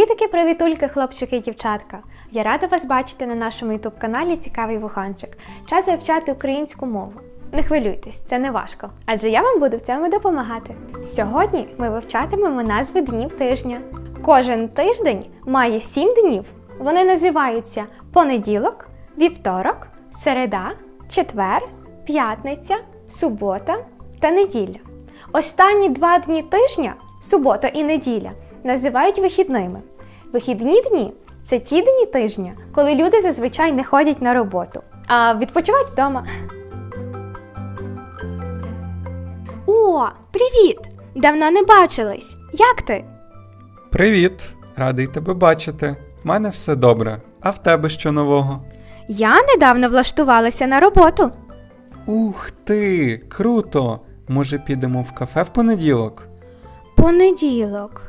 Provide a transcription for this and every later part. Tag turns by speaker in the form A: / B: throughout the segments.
A: Привітики, привітульки, хлопчики і дівчатка! Я рада вас бачити на нашому ютуб-каналі «Цікавий вуханчик». Час вивчати українську мову. Не хвилюйтесь, це не важко, адже я вам буду в цьому допомагати. Сьогодні ми вивчатимемо назви днів тижня. Кожен тиждень має 7 днів. Вони називаються понеділок, вівторок, середа, четвер, п'ятниця, субота та неділя. Останні 2 дні тижня, субота і неділя, називають вихідними. Вихідні дні – це ті дні тижня, коли люди зазвичай не ходять на роботу, а відпочивають вдома. О, привіт! Давно не бачились. Як ти?
B: Привіт! Радий тебе бачити. В мене все добре. А в тебе що нового?
A: Я недавно влаштувалася на роботу.
B: Ух ти! Круто! Може, підемо в кафе в понеділок?
A: Понеділок.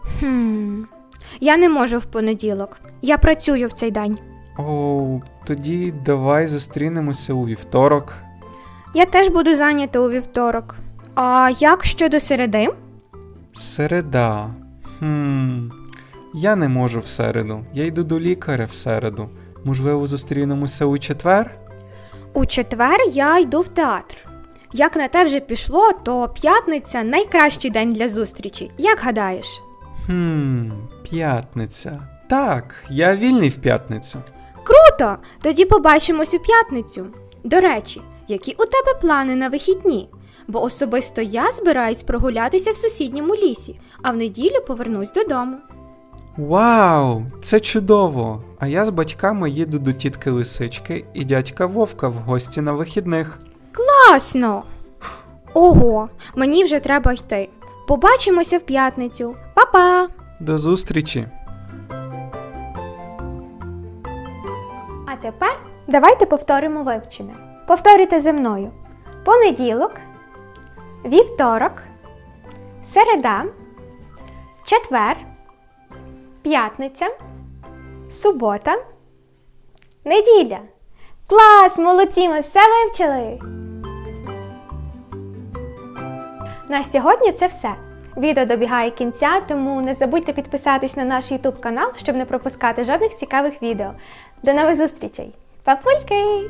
A: Я не можу в понеділок. Я працюю в цей день.
B: Оу, тоді давай зустрінемося у вівторок.
A: Я теж буду зайнята у вівторок. А як щодо середи?
B: Середа. Я не можу в середу. Я йду до лікаря в середу. Можливо, зустрінемося у четвер?
A: У четвер я йду в театр. Як на те вже пішло, то п'ятниця – найкращий день для зустрічі. Як гадаєш?
B: П'ятниця. Так, я вільний в п'ятницю.
A: Круто! Тоді побачимось у п'ятницю. До речі, які у тебе плани на вихідні? Бо особисто я збираюсь прогулятися в сусідньому лісі, а в неділю повернусь додому.
B: Вау, це чудово! А я з батьками їду до тітки Лисички і дядька Вовка в гості на вихідних.
A: Класно! Ого, мені вже треба йти. Побачимося в п'ятницю. Па-па!
B: До зустрічі!
A: А тепер давайте повторимо вивчене. Повторюйте зі мною. Понеділок, вівторок, середа, четвер, п'ятниця, субота, неділя. Клас! Молодці! Ми все вивчили! На сьогодні це все. Відео добігає кінця, тому не забудьте підписатись на наш YouTube канал, щоб не пропускати жодних цікавих відео. До нових зустрічей! Папульки!